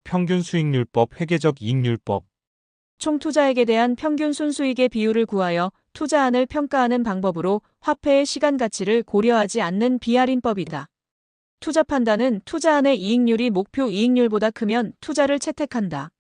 평균 수익률법 회계적 이익률법 총 투자액에 대한 평균 순수익의 비율을 구하여 투자안을 평가하는 방법으로 화폐의 시간 가치를 고려하지 않는 비할인법이다. 투자 판단은 투자안의 이익률이 목표 이익률보다 크면 투자를 채택한다.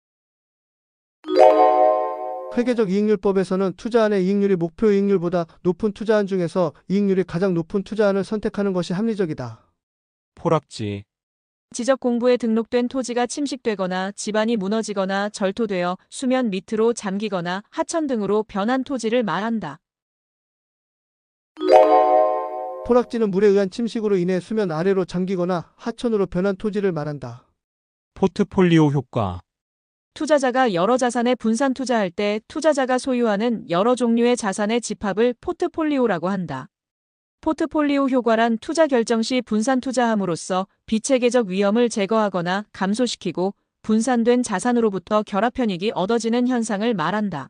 회계적 이익률법에서는 투자안의 이익률이 목표 이익률보다 높은 투자안 중에서 이익률이 가장 높은 투자안을 선택하는 것이 합리적이다. 포락지 지적 공부에 등록된 토지가 침식되거나 집안이 무너지거나 절토되어 수면 밑으로 잠기거나 하천 등으로 변한 토지를 말한다. 포락지는 물에 의한 침식으로 인해 수면 아래로 잠기거나 하천으로 변한 토지를 말한다. 포트폴리오 효과 투자자가 여러 자산에 분산 투자할 때 투자자가 소유하는 여러 종류의 자산의 집합을 포트폴리오라고 한다. 포트폴리오 효과란 투자 결정 시 분산 투자함으로써 비체계적 위험을 제거하거나 감소시키고 분산된 자산으로부터 결합 편익이 얻어지는 현상을 말한다.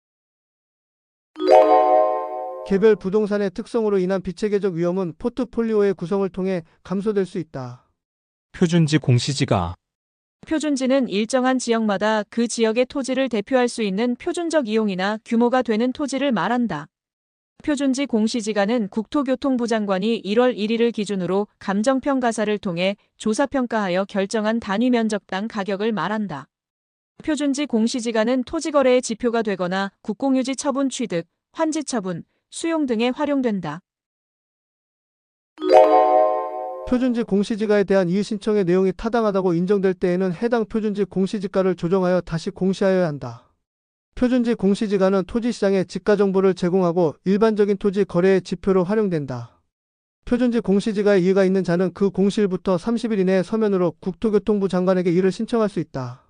개별 부동산의 특성으로 인한 비체계적 위험은 포트폴리오의 구성을 통해 감소될 수 있다. 표준지 공시지가 표준지는 일정한 지역마다 그 지역의 토지를 대표할 수 있는 표준적 이용이나 규모가 되는 토지를 말한다. 표준지 공시지가는 국토교통부 장관이 1월 1일을 기준으로 감정평가사를 통해 조사평가하여 결정한 단위 면적당 가격을 말한다. 표준지 공시지가는 토지거래의 지표가 되거나 국공유지 처분 취득, 환지 처분, 수용 등에 활용된다. 표준지 공시지가에 대한 이의신청의 내용이 타당하다고 인정될 때에는 해당 표준지 공시지가를 조정하여 다시 공시하여야 한다. 표준지 공시지가는 토지시장에 지가 정보를 제공하고 일반적인 토지 거래의 지표로 활용된다. 표준지 공시지가에 이의가 있는 자는 그 공시일부터 30일 이내에 서면으로 국토교통부 장관에게 이를 신청할 수 있다.